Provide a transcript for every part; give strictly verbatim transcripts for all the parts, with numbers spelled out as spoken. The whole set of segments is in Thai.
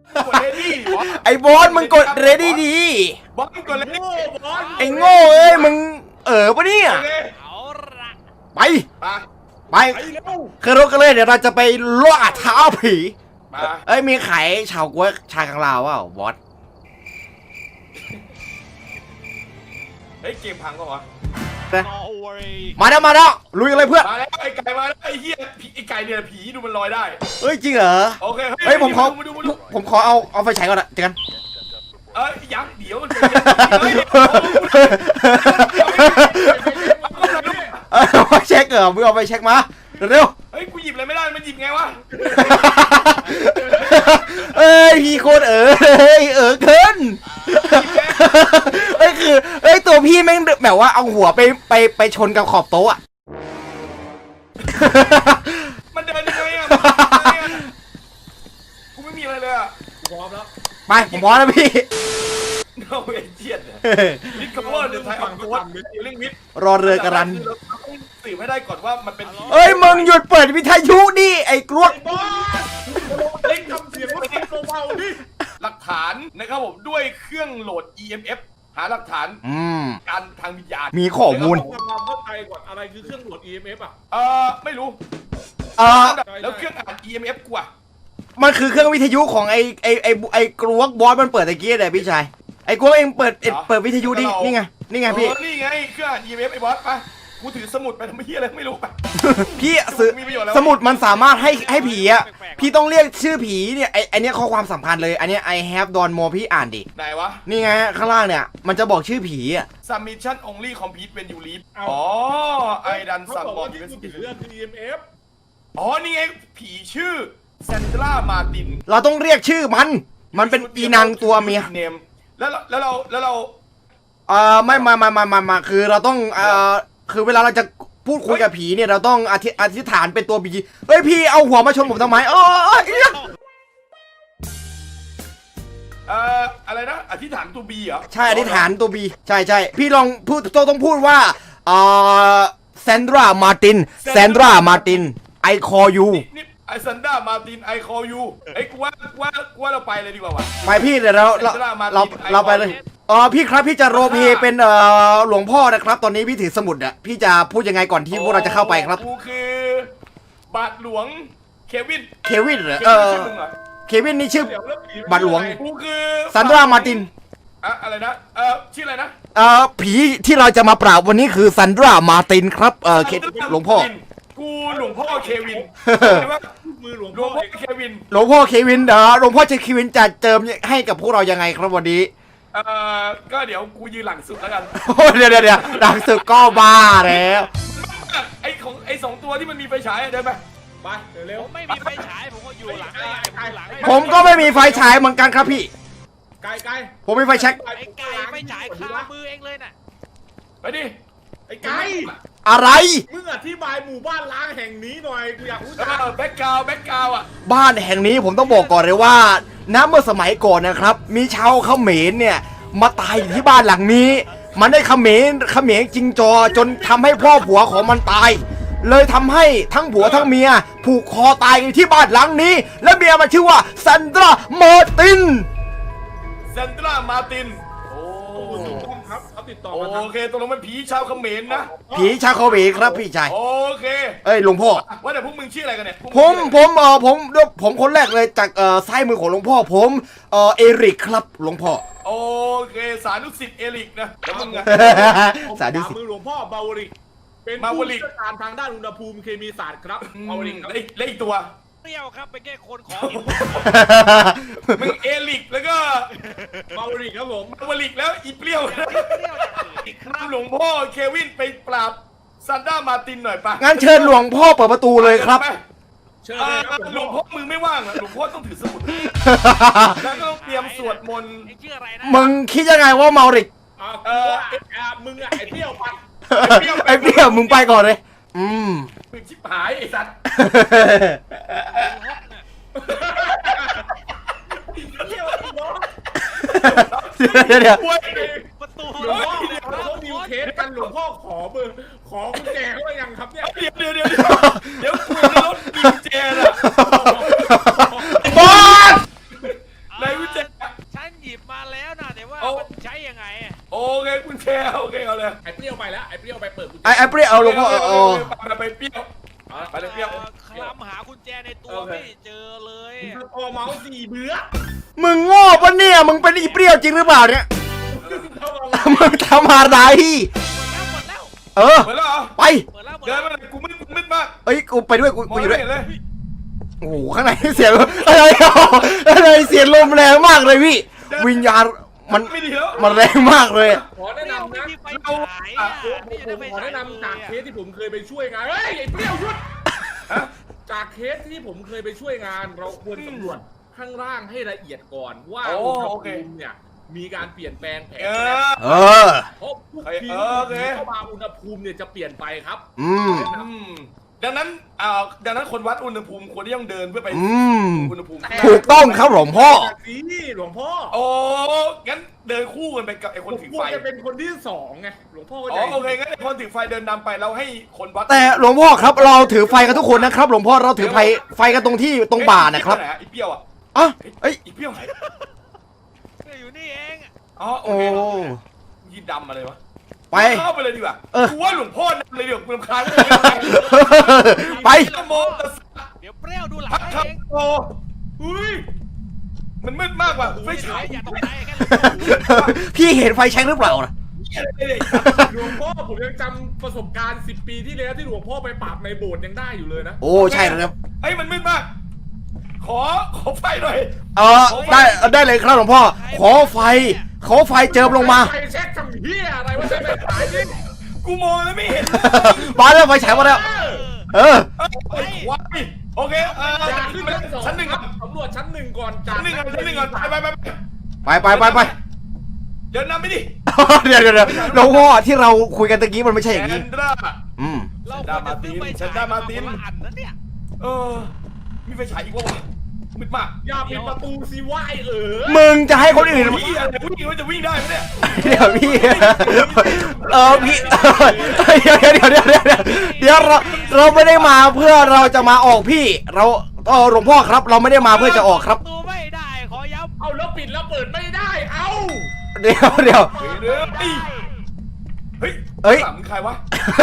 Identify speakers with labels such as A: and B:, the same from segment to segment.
A: กดเลดี้บอส
B: ไอ้บอสมึงกดเรดี้ดี
A: บอสกดเลดี้บอส
B: ไอ้โง่เอ้ยมึงเออปะเนี่ย
C: เอาละ
B: ไป
A: มา
B: ไป
A: ไปเร็ว
B: คือรถกันเลยเดี๋ยวเราจะไปล่าท้าผี
A: มา
B: เอ้ยมีขายชาวกล้วยชากังลาวเปล่าบอส
A: เฮ้ยเกมพังก็วะ
C: เอาไว้
B: มาแล้วมาแล้วลุยกันเลยเพื่อน
A: มาแล้วไอ้ไก่มาแล้วไอ้เหี้ยผีไอ้ไก่เนี่ยผีดูมันลอยได้
B: เฮ้ยจริงเหรอ
A: โอเค
B: เฮ้ยผมขอ
A: มาดูมาดู
B: ผมขอเอาเอาไฟฉายก่อนอะเจอกัน
A: เอ้ยยังเดี๋ยวมัน
B: เออเอาไฟเช็คเหรอมึงเอาไฟเช็คมาเร็ว
A: เฮ้ยกูหยิบอะไรไม่ได้มันหยิบไงวะ
B: ๆเอ้ยพี่โคตรเออเฮ้ยเออเกินเอ้ยคือเอ้ยตัวพี่แม่งแบบว่าเอาหัวไปไปไปชนกับขอบโต๊ะอะ
A: มันเดินยังไงอ่ะกูไม่มีอะไรเลยอ่ะพร้อมแล้ว
B: ไปผมพร้อมแล้วพี่
A: เอาเอเจียนลิทคัฟเวอร์เดอะไทยออฟโค้ดเรื่องวิทย์
B: รอเรือกระรัน
A: เราต้องสืบให้ได้ก่อนว่ามันเป็นผี
B: เอ้ยมึงหยุดเปิดวิทยุดิไอ้กลวก
A: บอสเล่นทำเสียงรถเอ็กโซเบาดิหลักฐานนะครับผมด้วยเครื่องโหลด อี เอ็ม เอฟ หาหลักฐาน
B: อืม
A: การทางวิญญาณ
B: มีข้อมูล
D: ทำความเข้าใจก่อนอะไรคือเครื่องตรวจ อี เอ็ม เอฟ อ่ะ
A: เออไม่รู้
B: เออ
A: แล้วเครื่องอ่าน อี เอ็ม เอฟ กูอ่ะ
B: มันคือเครื่องวิทยุของไอ้ไอ้ไอ้ไอ้กลวกบอสมันเปิดตะกี้เลยพี่ชายไอ้กลวกเองเปิดเอ็ดเปิดวิทยุดินี่ไงนี่ไงพี่
A: เออนี่ไงเครื่องอ่าน อี เอ็ม เอฟ ไอ้บอสไปกูถือสมุดไปทำไมเฮียอะไรไม่รู้ไป
B: พี่ซื้อ
A: มีประโยชน์แล้ว
B: สมุดมันสามารถให้ให้ผีอะพี่ต้องเรียกชื่อผีเนี่ยไอ้ไอเนี้ยข้อความสำคัญเลยอันเนี้ย I have done more พี่อ่านดิ
A: ไหนวะ
B: นี่ไงข้างล่างเนี่ยมันจะบอกชื่อผีอะ
A: submission only complete when you leave อ๋อไอดัน
D: เขา
A: ซัม
D: บอก
A: บอ
D: ว่า
A: ล
D: ที่กูถือคือ อี เอ็ม เอฟ
A: อ๋อนี่ไงผีชื่อแซนดรามาติน
B: เราต้องเรียกชื่อมัน มันเป็นอีนางตัวเมีย
A: เนมแล้วเราแล้วเราแล้วเรา
B: เอ่อไม่มามามามามาคือเราต้องเอ่อคือเวลาเราจะพูดคุยกับผีเนี่ยเราต้องอธิอธิษฐานเป็นตัวผีเฮ้ยพี่เอาหัวมาชนผมทำไมเออเอี้ย
A: เอ่ออะไรนะอธิษฐานตัวบีเหรอ
B: ใช่อธิษฐานตัวบีใช่ใช่พี่ลองพูดต้องต้องพูดว่าเอ่อแซนดรามาตินแซนดรามาติน I call you
A: นี่ไอซันดรามาตินไอคอยูไอ้ยกูว่ากูว่ากูว่าเราไปเลยดีกว่าวะ
B: ไปพี่เดี๋ยวเราเรา
A: Sandra Martin
B: เรา
A: I
B: เราไปเลยเออพี่ครับพี่จะโรลเพลย์เป็นเอ่อหลวงพ่อนะครับ ตอนนี้พี่ถือสมุดอะพี่จะพูดยังไงก่อนที่พวกเราจะเข้าไปครับ
A: กูคือบาทหลวงเควิน
B: เควินเหรอ
A: เค
B: เอ
A: วิน
B: อ
A: ใช่มึงเหรอ
B: เควินนี่ชื่อ
D: เดี๋ยวเรื่องผี
B: บัตรหลวง
A: กูคือ
B: ซันดรามาติน
A: อะอะไรนะเออชื่ออะไรนะ
B: เอ่อผีที่เราจะมาปราบวันนี้คือซันดรามาตินครับเออเคหลวงพ่อ
A: กูหลวงพ่อเควิน
B: เออ
A: ใช่ปะ
D: มือหลวง
A: หล
D: พ่
A: ว
D: อง
A: พ่อ
D: เอง
A: เควิน
B: หลวงพ่อเควินเออหลวงพ่อเควินจะเจิมให้กับพวกเรายังไงครับวันนี้
A: เอ่อก็เดี๋ยวกูยืนหลังสุดแล้วกัน
B: โอ้ยเดี๋ยวเดี๋ยวเดี๋ยวดังสึกก็บ้าแล้ว
A: ไอ้ของไอ้สองตัวที่มันมีไฟฉายอะเดินไป
D: ไปเร็
C: ผ
D: ว
C: มไม่มีไฟฉายผมก็อยู่หลังไอ้ไอ้หลังไอ้
B: ผมก็ไม่มีไฟฉายเหมือนกันครับพี่
D: ๆไกลไกล
B: ผมมีไฟแช็ก
C: ไอ้ไก่ไฟฉายคามือเองเลยน่ะ
A: ไปดิ
D: ไอ้ไกล
B: อะไร
D: มึงอธิบายหมู่บ้านล้างแห่งนี้หน่อยกูอยากรู้
A: เอ
D: จัก
A: อแบ็กกราวด์แบ็กกราวด์อ่ะ
B: บ้านแห่งนี้ผมต้องบอกก่อนเลยว่าน้เมื่อสมัยก่อนนะครับ มีชาวเขมรเนี่ยมาตายอยู่ที่บ้านหลังนี้ มันได้เขมรเขมรจริงจอจนทำให้พ่อผัวของมันตาย เลยทำให้ทั้งผัวทั้งเมียผูกคอตายอยู่ที่บ้านหลังนี้ และเมียมันชื่อว่าซันดรามาร์ติน
A: เซนตรามาตินโอ้
D: คุณถูกต้องครับเขาติดต่อมาทาง
A: โอเคตกลงมันผีชาวเขมรนะ
B: ผีชาวเขมรครับพี่ชาย
A: โอเค
B: เอ้ยหลวงพ่อ
A: ว่าแต่พวกมึงชื่ออะไรกันเนี่ยพวก
B: ผม
A: ง
B: ผ
A: ชื่ออะ
B: มเออผมผมคนแรกเลยจากเอ่อซ้ายมือของหลวงพ่อผมเออเอริกครับหลวงพ่อ
A: ไรโอเคสานุสิทธิ์เอลิกนะแล้วมึงอะ
B: สาธุ
D: ข
B: สิ
D: วมือหลวงพ่อเบาวริกเป็น
A: มา
D: ผู้
A: วริก
D: เชี่ยวชาญทางด้านอุณหภูมิเคมีศาสตร์ครับเบาวริกครับ
A: แล้วอีกแล้วอีกตัว
C: เปรี้ยวครับเป็นแค่คนของหิว
A: มึงเอลิกแล้วก็
D: เบาวริกครับผม
A: มาวลิกแล้วอีเปรี้ยว
C: เปรี้ยวอย่างอื่นอีกครับ
A: หลวงพ่อเควินไปปราบซันด้ามาตินหน่อยปะ
B: งั้นเชิญหลวงพ่อเปิดประตูเลยครับ
A: ไป
D: เชิญ
A: เอ่
D: เลย
A: อ
D: ครับ
A: หลวงพ่อมือไม่ว่างเหรอหลวงพ่อต้องถือสมุดแล้วก็ต้องเตรียมสวดมนต์
C: ไอ้ชื่ออะไรนะ
B: มึงคิดยังไงว่าเมาริก
D: อ่ากูว่าไอ้อ่ามึงอะไอ้เที่ยวปัด
B: ไอ้เปรี้ยวมึงไปก่อนเลย อืม
A: มึงชิบหายไอ้สัตว์
D: เที่ยวเนาะ
B: เดี๋ยวเดี๋ยวเดี๋ยว
A: โอ้ย
C: ประตู
D: หลวงพ่อเนี่ยเขาดิวเคสกันหลวงพ่อขอเบอร์ขอกุญแจเขาหรือยังครับเนี่ย
A: เดี๋ยวเดี๋ยวเดี๋ยวเดี๋ยวกูในรถกินเจนอะ
B: บอส
A: ไหน
B: หลวงพ่อเออเออ
A: ไปไปเปรี้ยวไปเลยเปรี้ยว
C: คลำหากุญแจในตัวไม่เจอเลย
D: พอเมาส์สี่เบื่อ
B: มึงโง่ปะเนี่ยมึงเป็นอีเปรี้ยวจริงหรือเปล่าเนี่ยมึงทำอะไร
C: หมดแล้ว
B: เออ
A: เหมือนแล้วเหรอ
B: ไป
C: หมดแล้วหมด
A: เดิ
C: แล้
A: น
C: ว
A: มาเลยกูมืดกูมืดมาก
B: เอ้ยกูไปด้วยกู
A: มอ
B: กู
A: ง
B: อยู่
A: ไม่
B: ด้วย
A: เห็นเลย
B: โอ้โหข้างในเสียงอะไรอ่ะอะไรเสียงลมแรงมากเลยพี่ วิญญาณมัน
A: ไม่ดีแล้ว
B: มันแรงมากเลยอะ
D: ขอแนะนำ
C: ไม่
D: นะ
C: มีไฟฉายอ่ะ
D: ผม
C: ไม่ได้ไฟ
D: ขอ
C: ฉาย
D: แนะนำจากเคสที่ผมเคยไปช่วยงานเฮ้ยไอ้เปรี้ยวหยุดจากเคสที่ผมเคยไปช่วยงาน เราควรสำรวจข้างล่างให้ละเอียดก่อนว่าอุณหภูมิเนี่ยมีการเปลี่ยนแปลงแผน
A: เออ
B: เออ
D: เพราะทุกที
A: เออโอเค
D: เข้ามาอุณหภูมิเนี่ยจะเปลี่ยนไปครับ
B: อืม
A: อืมดังนั้นอ่าดังนั้นคนวัดอุณหภูมิควรที่ต้องเดินเพื่อไป
B: อืม
A: อุณหภูมิ
B: ถูกต้องครับหลวงพ่อ
D: สีหลวงพ่อ
A: โอ้งั้นเดินคู่กันไปกับไอ้คนถือ
D: คว
A: ไฟ
D: รจะเป็นคนที่สองไงหลวงพ่อก็
A: อ๋
D: ใจ
A: อโอเคงั้นไอ้คนถือไฟเดินนำไปเราให้คนวัด
B: แต่หลวงพ่อครับเราถือไฟกันทุกคนนะครับ หลวงพ่อเราถือไฟไฟกันตรงที่ตรงบ่านะครับ
A: ไอ้เปรี้ยวอ่ะ
B: อ่ะเอ้ย
A: ไอ้เปรี้ยวไหน
C: อยู่นี่เอง
A: อ๋อโอ
B: โอ้
A: เคยีดำอะไรวะ
B: ไป
A: เข้าไปเลยดีกว่า
B: เออ
A: กูว่าหลวงพ่อนำเลยเดี๋ยวกูรำคาญเลย
B: ไป
A: นะโมตัสสะ
C: เดี๋ยวเปรี้ยวดูหลัง
A: พัก
C: ให้
A: ขับ
C: เอง
A: โตอุ้ยมันมืดมากว่ะไฟฉาย
C: อย่าตกใจแค่
B: พี่เห็นไฟแช็กหรือเปล่านะ
D: หลวงพ่อผมยังจำประสบการณ์สิบปีที่แล้วที่หลวงพ่อไปปราบในโบสถ์ยังได้อยู่เลยนะ
B: โอ้ใช่แล้วครับ
A: ไอ้ยมันมืดมาก ขอขอไฟหน่อย
B: เออได้ได้เลยครับหลวงพ่อ ขอไฟ ขอไฟเจิมลงมา
D: ไฟแช็กทำเฮียอะไรวะใช่ไหมขายนี่
A: กูมองแล้วไม่เห็น
B: มาแล้วไฟฉายมาแล้ว เออ
A: เอ้ยว้ายโอเคเออ
D: อยากขึ้นชั้นสอง
A: ชั้นหนึ่ง
D: ค
A: ค
D: รั
A: รั
D: บบ สำรวจชั้นหนึ่งก่อนจาก
A: ชั้นหนึ่งครับชั้นหนึ่งก่อนไปไปไป
B: ไปไปไปไป
A: เดินนำไปดิ
B: เดี๋ยวเดี๋ยวเดี๋ยวหลวงพ่อที่เราคุยกันตะกี้มันไม่ใช่อย่าง
A: แอ
B: นี้
A: นดรา
B: อืม
C: เราควรจะซื้อไฟฉายมาคนละอันนะเนี่ย
A: เออ มีไฟฉายอีกวะวะมืดมาก
D: อย่าปิดประตูสิวะไอเอ๋อ
B: มึงจะให้คนอื่น
A: วิ่งอะไรวิ่งมันจะวิ่งได้ไหมเนี่ย
B: เดี๋ยวพี่ เออพี่เดี๋ยวเดี๋ยวเดี๋ยวเดี๋ยวเดี๋ยวเดี๋ยวเราเราไม่ได้มาเพื่อเราจะมาออกพี่ เราเออหลวงพ่อครับ เราไม่ได้มาเพื่อจะออกครับ
C: ตัวไม่ได้ขอย้ำ
D: เอาแล้วปิดแล้วเปิดไม่ได้ เอ้า
B: เดี๋ยวเดี๋ยว
A: เฮ้ยเดี๋ยวเฮ้ยเฮ้ย
B: เอ้ย
A: ถามมึงใครวะ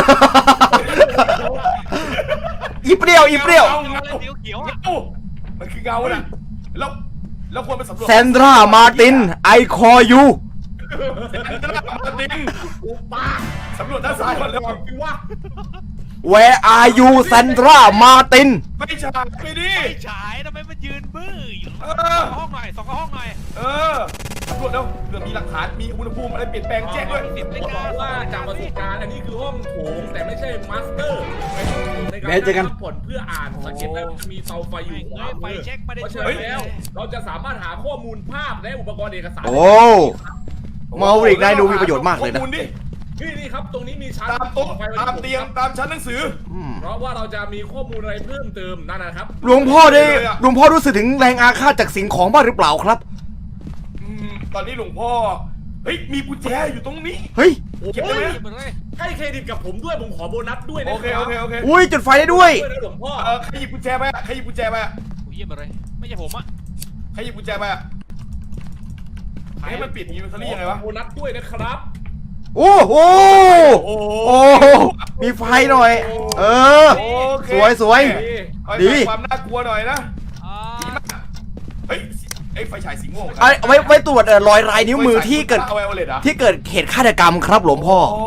B: อีเปรี้ยวอีเปรี้ยว
A: เงา
C: เงา
A: เงา
C: เขียวเขียว
A: เงามันคือเงาน่ะแล้วแล้วควรไปสำรวจ
B: แซนดรามาตินไอคอยู
A: แซนดรามาร์ติน
D: อุปา
A: สำรวจด้านซ้ายก่อนเลย
D: ก่อนสิวะ
B: Where are you แซนดรามาติน
A: ไม่ฉากไปดิ
C: ไฟฉายทำไมมันยืนบื้ออยู่
A: เอ
C: ส
A: อ
C: องห้องหน่อยสองห้องหน่อย
A: เออตำรวจเร็วเผื่อมีหลักฐาน มีอุณหภูมิอะไรเปลี่ยนแปลงแจ้งด้วย
C: สิบนาฬิ
D: บอก
C: กา
D: ว่าจากประสบการณ์อันนี้คือห้องโถงแต่ไม่ใช่มาสเตอร์เป็นห้องโถงในการ
B: แม้เจอกัน
D: พักผ่อนเพื่ออ่านสังเกตได้ว่าจะมีเตาไฟอยู่ขวา
C: ไฟ
D: มือ
C: เช็คไม่ได้
D: เพราะ
C: ช่
D: ฉะ
C: วย
D: นั้นแล้ว เราจะสามารถหาข้อมูลภาพและอุปกรณ์เอกสาร
B: โอ้เมาริกนายดูมีประโยชน์มากเลยนะ
A: ข้อมูดิ
D: นี่นี่ครับตรงนี้มีชั้น
A: ตามโต๊ะ
D: ไฟไว้
A: ตามเตียง ตามชั้นหนังสือ
B: อืม
D: เพราะว่าเราจะมีข้อมูลอะไรเพิ่มเติมนั่นนะครับ
B: หลวงพ่อได้
A: เลยอะ
B: หลวงพ่อรู้สึกถึงแรงอาฆาตจากสิ่งของบ้างหรือเปล่าครับ
A: อืมตอนนี้หลวงพ่อ เฮ้ย มีกุญแจอยู่ตรงนี้
B: เฮ้ย
A: เก็บได้ไหม
C: เหมือนเลย
D: ให้เครดิตกับผมด้วยผมขอโบนัสด้วยนะ
A: โอเค โอเค โอเค
B: อุ้ยจุดไฟได้ด้วย
D: ด้วยนะหลวงพ่อ
A: เออใครหยิบกุญแจไปอะใครหยิบกุญแจไปอะ
C: โอ้ยเยี่ยมเลยไม่ใช่ผมอะ
A: ใครหยิบกุญแจไปอะให้มันปิดอย่างนี้มันทะลี่ยังไงวะ
D: ขอโบนัสด้วยนะครับ
B: โอ้โห
A: โอ้โห
B: โอ้มีไฟหน่อย เออ
A: โอเค
B: สวยสวย
A: เอา
B: ดี
A: ให้ความน่ากลัวหน่อยนะ
C: อ่า
A: เฮ้ยไอ้ไฟฉายสีม่วง
B: เอาเอาไว้ไว้ตรวจเอ่อรอยลายนิ้วมือที่เกิด
A: เอาไว้เอาเลยเหรอ
B: ที่เกิดเหตุฆาตกรรมครับหลวงพ่อ
A: โอ้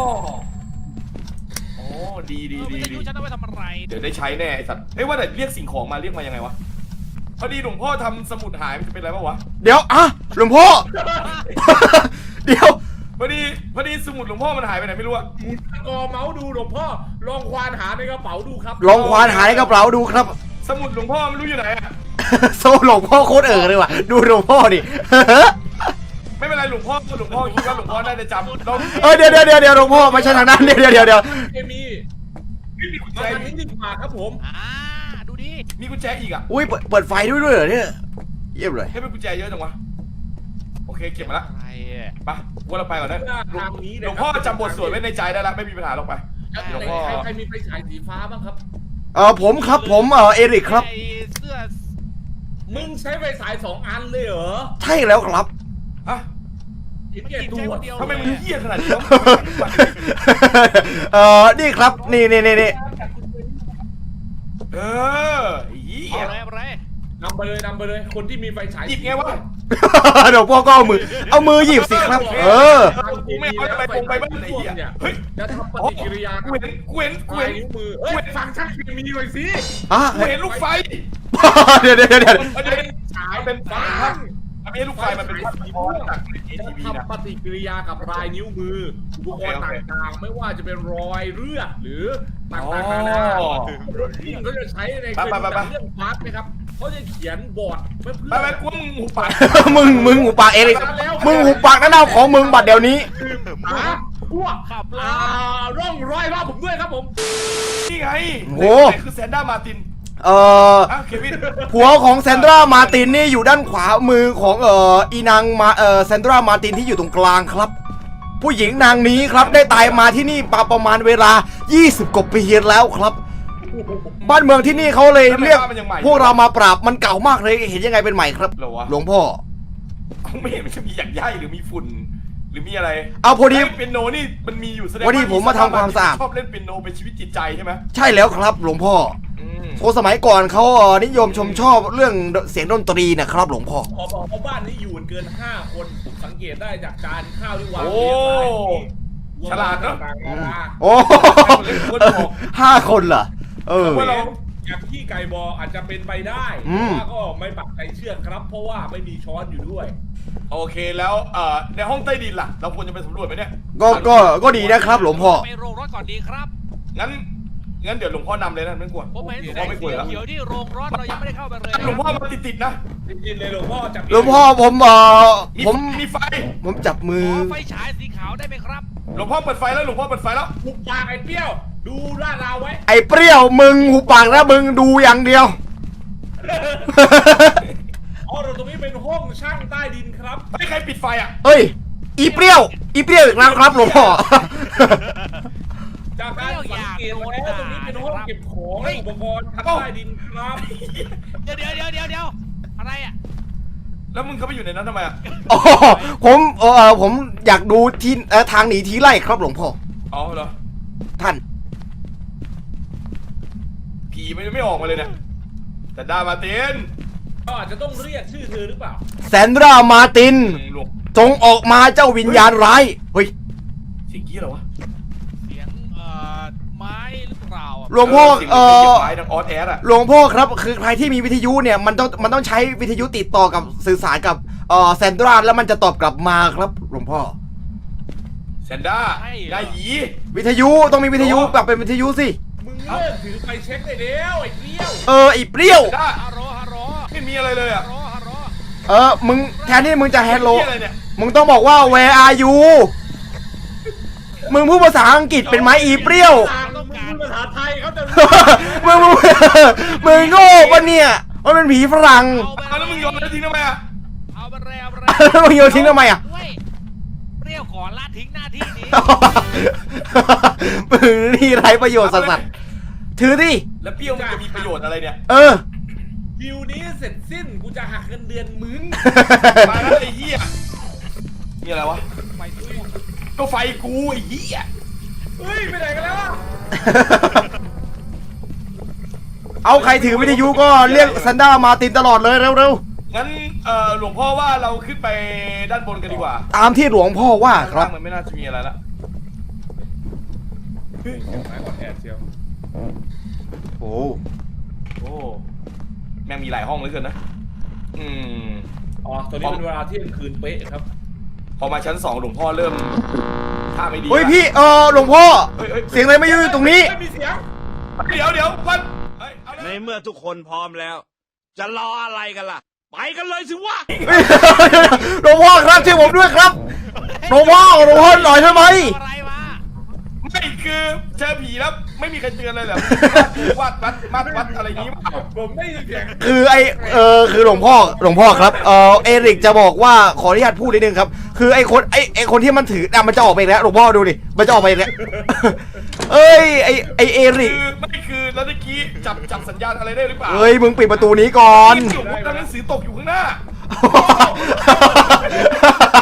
A: โอ้ดีดี
C: เออ
A: ดี
C: วิท
A: ดี
C: ยุฉันเอาไว้ทำอะไร
A: เดี๋ยวได้ใช้แน่ไอ้สัตว์เอ้ยว่าแต่เรียกสิ่งของมาเรียกมายังไงวะพอดีหลวงพ่อทำสมุดหายมันจะเป็นอะไรปะวะ
B: เดี๋ยวอ่ะหลวงพ่อ เดี๋ยว
A: พอดีพอดีสมุดหลวงพ่อมันหายไปไหนไม่รู้อะ
D: หมุนกอเมาส์ดูหลวงพ่อลองควานหาในกระเป๋าดูครับ
B: ลองควานหาในกระเป๋าดูครับ
A: สมุดหลวงพ่อไม่รู้อยู่ไหนอะ
B: โซ่หลวงพ่อโคตรเอ๋อเลยว่ะ ดูหลวงพ่อดิ
A: ไม่เป็นไรหลวงพ่อหลวงพ่อคิดว่าหลวงพ่อน่าจะจำเรา
B: เออเดี๋ยวเดี๋ยวเดี๋ยวเดี๋ยวหลวงพ่อไม่ใช่ทางนั้นเดี๋ยวเดี๋ยวเดี๋ยวเดี๋ยว
D: เคมี
A: ไม่มีกุญแจ
D: มาทาง
A: อี
D: นี้
A: ก
D: ดีกว่าครับผม
C: อ่าดูดิ
A: มีกุญแจอีกอะ
B: อุ้ยเปิดเปิดไฟด้วยด้วยเหรอเนี่ยเยี่ยมเลย
A: ให้เป็นกุญแจเยอะจังวะโอเคเก็บมาละ
C: อะไรอะ
A: ไปว่าเราไปก่อนนะ
D: ทางนี้
A: หลวงพ่อจำบทสวดไว้ในใจได้แล้วไม่มีปัญหาหรอกไป หลวงพ่อ
D: ใครใครมีไฟฉายสีฟ้าบ้างครับ
B: เออผมครับผมเออเอริกครับ
C: ไอ้เสื้อ
D: มึงใช้ไฟฉายสองอันเลยเหรอ
B: ใช่แล้วครับ
A: อะ
D: ไอ้
C: ไม่
D: เกีย
C: กิน
D: ตั
C: ใช้
D: ว
C: คนเดียว
A: ทำไมมึง
C: เลย
A: เหี้ยขนาดนี้วะ
B: เออนี่ครับนี่นี่นี่นี่
A: เออเหี้ย
C: เอาอะไรเอาอะไร
D: นำไปเลยนำไปเลยคนที่มีไฟฉาย
A: หยิบไงวะ
B: เดี๋ยวพ่อก็เอามือเอามือหยิบสิครับ เออ
A: กูไม่เอาไปตรงไปบ้านไหนเหี้ย
D: เนี่ย
A: เฮ้ย
D: จะทำปฏิกิริยา
A: กูเห็นกูเห็นกู
D: ปลาย
A: เห็น
D: นิ้วมือเอ้ยฟังช่างเคมีหน่อยสิ
B: ฮะ
A: กูเห็นลูกไฟ
B: เดี๋ยวเดี๋ยวเดี๋ยวเดี๋ยว
A: มันเป็น
D: ฉาย
A: เป็น
D: ฟั
A: ภาพอันนี้ลูกไฟมันเป็นภาพสะท้อนจากใน
D: จะ
A: ทีวีนะ
D: ทำปฏิกิริยากับลายนิ้วมืออุปกรณ์
A: โอเคโอเค
D: ต่างๆ ไม่ว่าจะเป็นรอยเลือดหรือต่างๆนานา
A: อ๋อ
D: ที่เขาจะใช้ใน
A: ไปไปไปไป
D: เรื่องพาร์ทไหมครับเขาจะเขียนบอร์ดเพื่อ
A: ไปไปกูว่ามึงหูปาก
B: มึงมึงหูปากเอริกมึงหูปากนั่นเอาของมึงบัดเดี๋ยวนี้
D: หาพวก
C: ขับร
D: อ่า
C: ถ
D: ร่องรอยรอบผมด้วยครับผม
A: นี่ไง
B: โอ้
A: ไหนคือแซนด้ามาร์ติน
B: เอ่อ
A: อ่ะเควิน
B: ผัวของแซนดรามาร์ตินนี่อยู่ด้านขวามือของเอ่ออีนางมาเอ่อแซนดรามาร์ตินที่อยู่ตรงกลางครับ ผู้หญิงนางนี้ครับได้ตายมาที่นี่มาประมาณเวลา ยี่สิบ กว่าปีแล้วครับ บ้านเมืองที่นี่เขาเลยเรียกพวกเรามาปราบมันเก่ามากเลยเห็นยังไงเป็นใหม่ครับ
A: เหรอวะ
B: หลวงพ่อ
A: กูไม่เห็นมันจะมีอย่างใยหรือมีฝุ่น หรือมีอะไร
B: เอาพอดี
A: ไเปียโนนี่มันมีอยู่แสดง
B: พอดีผมมาทำความสะอาด
A: ชอบเล่นเปียโนเป็นชีวิตจิตใจใช่ไหม
B: ใช่แล้วครับหลวงพ่อ
A: อืม
B: คนสมัยก่อนเขาเอ่อนิยมชมชอบเรื่องเสียงดนตรีนะครับหลวงพ่อ
D: ขอบอกว่าบ้านนี้อยู่กันเกินห้าคนผมสังเกตได้จากจานข้าวที่วาง
A: โอ้
D: เรียงราย
A: ฉลาดเนอะ
D: ต่างๆนานา
B: โอ้ห้าคนเหรอเออ
A: ว่าเรา
D: อย่างที่ไก่บออาจจะเป็นไปได้
B: อืม
D: แต่ว่าก็ไม่ปักใจเชื่อครับ เพราะว่าไม่มีช้อนอยู่ด้วย
A: โอเคแล้วเอ่อในห้องใต้ดินล่ะ เราควรจะไปสำรวจไหมเนี่ย
B: ก็ก็ก็ดีนะครับหลวงพ่อ
C: ไปโรงรถก่อนดีครับ
A: งั้นงั้นเดี๋ยวหลวงพ่อนำเลยนะไม่กลัว
C: ผมเห็น
A: หลวง
C: แส
A: พ่อง ไม่กลัว
C: สี
A: แล้ว
C: เขียวที่โรงรถเรายังไม่ได้เข้าไปเลย
A: หลวงพ่อมาติดๆนะ
D: จริงๆเลยหลวงพ่อจับ
B: หลวงพ่อผมเอ่อ
A: มี
B: ผม
A: มีไฟ
B: ผมจับมื
C: ข
B: อ
C: อไฟฉายสีขาวได้ไหมครับ
A: หลวงพ่อเปิดไฟแล้วหลวงพ่อเปิดไฟแล้ว
D: หุบปากไอ้เปรี้ยว ดูลาดราวไว้
B: ไอ้เปรี้ยวมึงหูปากนะมึงดูอย่างเดียว
D: อ๋อเราตรงนี้เป็นห้องช่างใต้ดินครับ
A: ไอ้ยใครปิดไฟอ่ะ
B: เอ้ย อีเปรี้ยว อีเปรี้ยวอีกแล้วครับหลวงพ่อ
D: จากการสังเกตแล้วตรงนี้เป็นห้องเก็บของและอุปกรณ์ทางใต้ดินครับ
C: เดี๋ยวเดี๋ยวเดี๋ยวเดี๋ยวเดี๋ยวอะไรอ่ะ
A: แล้วมึงเข้าไปอยู่ในนั้นทำไมอ่ะ
B: อ๋อผมเออผมอยากดูที่เอ่อทางหนีทีไล่ครับหลวงพ่อ
A: อ๋อเหรอ
B: ท่าน
A: ผีมันยังไม่ออกมาเลยเนี่ยแต่ดามาร์ติน
D: ก็อาจจะต้องเรียกชื่อเธอหรือเปล่า
B: แซนดรามาร์ติน
A: หลวง
B: จงออกมาเจ้าวิญญาณร้าย เฮ้ย
A: เสียงกี้เหรอวะ
C: เสียงเอ่อไม้หรือเปล่าอะ
B: หลวงพ่อ
A: สีย
B: เอ่
A: สีย
B: อ
A: งไม้ดังออสแอดอ่ะ
B: หลวงพ่อครับ คือใครที่มีวิทยุเนี่ย มันต้อง มันต้องใช้วิทยุติดต่อกับสื่อสารกับเอ่อแซนดราแล้วมันจะตอบกลับมาครับ หลวงพ่อ
A: แซนด้าได้หยี
B: วิทยุต้องมีวิทยุแบบเป็นวิทยุสิ
D: มึงเลิกถือไฟเช็คได้แล้วไอ้เปรี้ยว
B: เออไอ้เปรี้ยว
A: แซนด้า
C: ฮัลโหลฮัลโหล
A: ไม่มีอะไรเลยอ่ะ
C: ฮัลโหลฮัลโหล
B: เออ มึงแทนที่มึงจะ hello
A: เหี้ยอะไรเนี่ย
B: มึงต้องบอกว่า where are you มึงพูดภาษาอังกฤษเป็นไหมอีเปรี้ยว
D: ต่างมึงพูดภาษาไทยเขาจะ
B: มึงมึงมึงโง่ปะเนี่ยมันเป็นผีฝรั่ง
C: เอาไป
A: เอาแล้วมึงโยนแล้วทิ้งทำไมอ่ะ
C: เอาไปเลยเอาไปเลย
B: แล้วมึงโยนทิ้งทำไมอ่ะ
C: ด้วยเปรี้ยวขอละทิ้งหน้าที่นี้
B: มึงนี่ไรประโยชน์สัสๆถือดิ
A: แล้วเปรี้ยวมันจะมีประโยชน์อะไรเนี่ย
B: เออ
D: ดิวนี้เสร็จสิ้นกูจะหักเงินเดือนมึง
A: มาแล้วไอ้เหี้ยมีอะไรวะ
C: ไปด้วย
A: ก็ไฟกูไอ้เหี้ย
D: เฮ้ยไปไหนกันแล้วอะ
B: เอาใครถือวิทยุก็เรียกซันด้ามาตินตลอดเลยเร็ว
A: งั้นเอ่อหลวงพ่อว่าเราขึ้นไปด้านบนกันดีกว่า
B: ๆ ตามที่หลวงพ่อว่าครับ
A: ข้างล่างมันไม่น่าจะมีอะไรละ
D: เฮ้ยไม้กอดแอดเชียว
B: โอ้
A: โอ้แม่งมีหลายห้องเหลือเกินนะ อืม
D: อ๋อตอนนี้เป็นเวลาเที่ยงคืนเป๊ะครับ
A: พอมาชั้นสองหลวงพ่อเริ่มท่าไม่ดี
B: เฮ้ย
A: ละ
B: พี่เออหลวงพ่อ
A: เฮ้ยเฮ้ย
B: เสียงอะไรไม่อยู่ตรงนี้
D: ไม่มีเสียง
A: เดี๋ยวเดี๋ยววันเฮ้ยเอาเลย
E: ในเมื่อทุกคนพร้อมแล้ว จะรออะไรกันล่ะ ไปกันเลยสิวะ
B: หลวงพ่อครับช่วยผมด้วยครับหลวงพ่อหลวงพ่อหน่อยได้ไหม
C: เอาอะไรมา
A: ไม่คือเจอผีแล้วไม่มีใครเตือนเลยเหรอวาดวัดวัดวัดอะไรอย่างงี้มั้ง
D: ผมไม่ได้ยินเสียง
B: คือไอเออคือหลวงพ่อหลวงพ่อครับเออเอริกจะบอกว่าขออนุญาตพูดนิดนึงครับ คือไอคนไอไอคนที่มันถืออ่ะมันจะออกไปอีกแล้วหลวงพ่อดูดิมันจะออกไปอีกแล้ว เอ้ยไอไอเอริก
A: คือไม่คือแล้วตะกี้จับจับสัญญาณอะไรได้หรือเปล่า
B: เอ้ยมึงปิดประตูนี้ก่อน
A: นี่หลวงพ่อทำหนังสือตกอยู่ข้างหน้า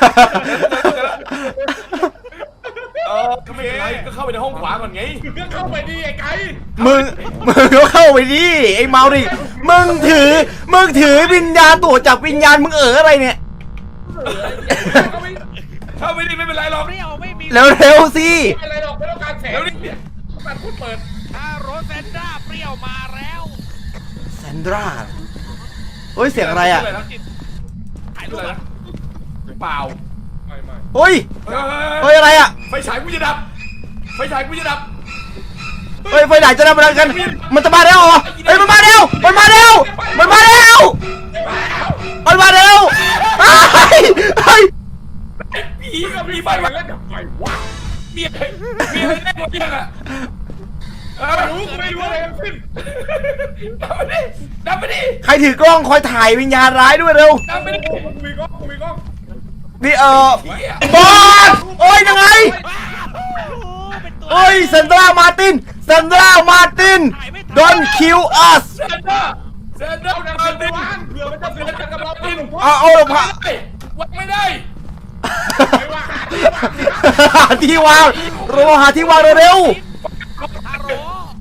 A: เออก็ไม่เป็นไรก็เข้าไปในห้องขวาก่อนไง
D: มึงก็เข้าไปดิไอ้ไก่
B: มึงมึงก็เข้าไปดิไอ้เมาดิมึงถือมึงถือวิญญาณตัวจับวิญญาณมึงเอออะไรเนี่ย
D: เข้าไป
A: เข้าไปดิไม่เป็นไรหรอก
C: เปรี้ยวไม่มี
B: เร็วๆสิ
D: ไม่อะไรหรอกไม่ต้องการแสง
A: เร็วดิ
D: ตัดพูดเปิด
C: ถ้าโรสเซนด้าเปรี้ยวมาแล้ว
B: แซนดราเฮ้ยเสียงอะไรอ่ะ
C: ถ่ายรู
A: ชื่อ
C: ป
A: อะไร
C: อะ
A: นะเปล่า
D: ไม่ไม่
B: เฮ้ย
A: เฮ้ย
B: เฮ้ยอะไรอ่ะ
A: ไฟฉายกูจะดับไฟฉายกูจะดับ
B: เฮ้ยไฟไหนจะได้มากันมันจะมาแล้วเหรอเฮ้ยมันมาแล้วมันมาแล้วมันมาแล้วมันมาแล้วเฮ้ยเฮ้ย
A: ผีกับ
D: มี
A: ผี
D: ไฟ
A: ไฟ
D: มา
A: มา
D: เล่นกับไฟวะ
A: มีอะไรมีอะไรแน่กว่ายังอ่ะเออ
D: ไม่รู้กูไม่รู้อะไรทั้งสิ้น
A: ดับไปดิดับไปดิ
B: ใครถือกล้องคอยถ่ายวิญญาณร้ายด้วยเร็ว
A: ดับไปดิ
D: กูมีกล้องกูมีกล้อง
B: นี่เออ
A: เฮีย
B: บอสโอ้ยยังไง
C: เป็นตัว
B: เฮ้ยเซนดรามาตินเซนดรามาติน don't kill us
A: เซนเดอร์เซนเดอ
D: เอา
A: ร์
D: ดัง
A: มา
D: เสียง
A: ดิ
D: วางเผื่อมันจะเสียงจากกำลังปิน
B: เอาเอาเราพา
A: วัดไม่ได้
D: ไม่ว่า
B: ที่วางเราหาที่วางเร็ว
C: ฮัลโหล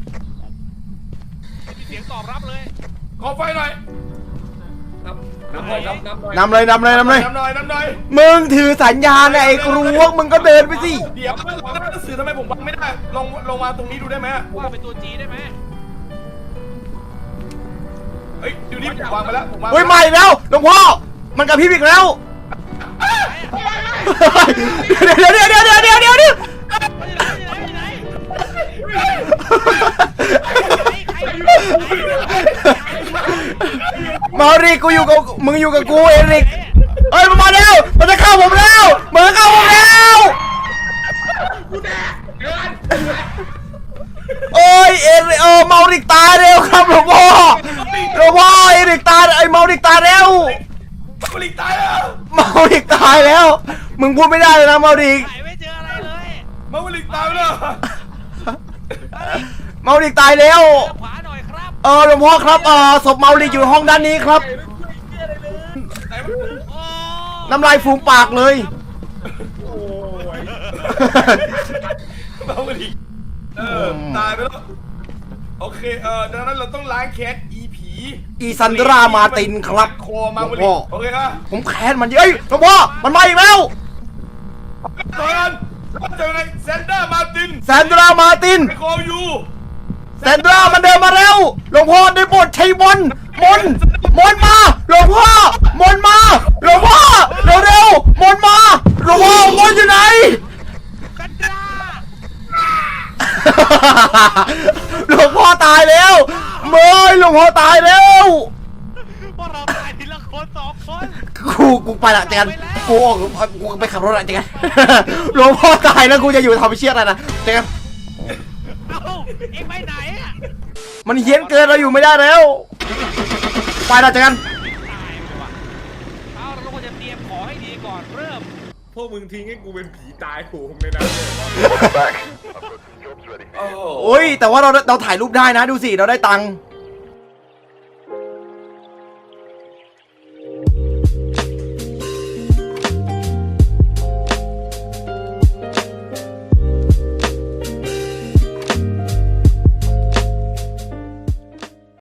C: ไม่มีเสียงตอบรับเลย
A: ขอไฟหน่อย
D: นับนับหน่อยครับนับหน่อย
B: ๆนำเลยนำเลยนำเลย
A: น้ำหน่อยน้ำหน่อย
B: มึงถือสัญญาณไอ้ครูวกมึงก็เดินไปสิ
A: เดี๋ยวแล้วหนังสือทำไมผมวางไม่ได้ ลงลงมาตรงนี้ดูได้ไหม
C: ว่าเป็นตัวจีได้ไหม
A: เฮ้ยดูนี่ผมวางไปแล้วผมวาง
B: เฮ้ยมาอีกแล้วหลวงพ่อมันกับพี่อีกแล้วเดี๋ยวเดี๋ยวเดี๋ยวเดี๋ยวเดี๋ยวเดี๋ยวเดี๋ยว
C: ไม่ไหนไม่ไหนไม่ไหนใครอยู่
B: มาริกูอยู่กับมึงอยู่กับกูเอริกเฮ้ยมันมาแล้วมันจะเข้าผมแล้วมันจะเข้าผมแล้ว
D: กูแดกเดิน
B: เอ้ยเอริเออเมาริกตายเร็วครับหลวงพ่อหลวงพ่อเอริกตายไอ้เมาริกตายแล้ว
A: ผลิตตายแล้ว
B: เมาริกตายแล้ว มึงพูดไม่ได้เลยนะเมาริก
C: ไหนไม่เจออะไรเลย
A: มาผลิตตายแล้ว
B: เมาริกตายแล้ว
C: ขวาหน่อยครับ
B: เออหลวงพ่อครับเออศพเมาริกอยู่ห้องด้านนี้ครับ
A: ไหนมัน
C: โอ้
B: น้ำลายฟูมปากเลย
D: โอ้ย
A: มาผลิตเออตายไปแล้วโอเคเออดังนั้นเราต้องล้างแค้นอีผี
B: อีซันดรามาตินครับ
A: คอมาผ
B: หล
A: ลิ
B: วง
A: ต
B: พ่อ
A: โอเคครับ
B: ผมแค้นมันเยอะเอ้ยหลวงพ่อมันมาอีกแล้ว
A: ตอนเจอในเซนเดอร์มาติน
B: แซนดรามาติน
A: ไปคออยู่
B: แซนดรามันเดินมาแล้วหลวงพ่อได้โปรดใช้มนต์มนต์มนต์มาหลวงพ่อมนต์มาหลวงพ่อเร็วเร็วๆมนต์มาหลวงพ่อมนต์อยู่ไหน
C: กันดา
B: หลวงพ่อตายแล้วเมยหลวงพ่อตายแล้ว
C: พวกเราตายทีละคนสองคน
B: กูกูไปละเจอกันกูออกกูไปขับรถละเจอกันหลวงพ่อตายแล้วกูจะอยู่ทำเชี่ยอะไรนะเจอกัน
C: เอ้าเอ็งไปไหนอ่ะ
B: มันเฮี้ยนเกินเราอยู่ไม่ได้แล้วไปละเจอกัน
C: ตายไปว่ะเอาเราควรจะเตรียมของให้ดีก่อนเริ่ม
D: พวกมึงทิ้งให้กูเป็นผีตายโหงเลยนะ
A: โอ้
B: โอ้ยแต่ว่าเราเราถ่ายรูปได้นะดูสิเราได้ตังค์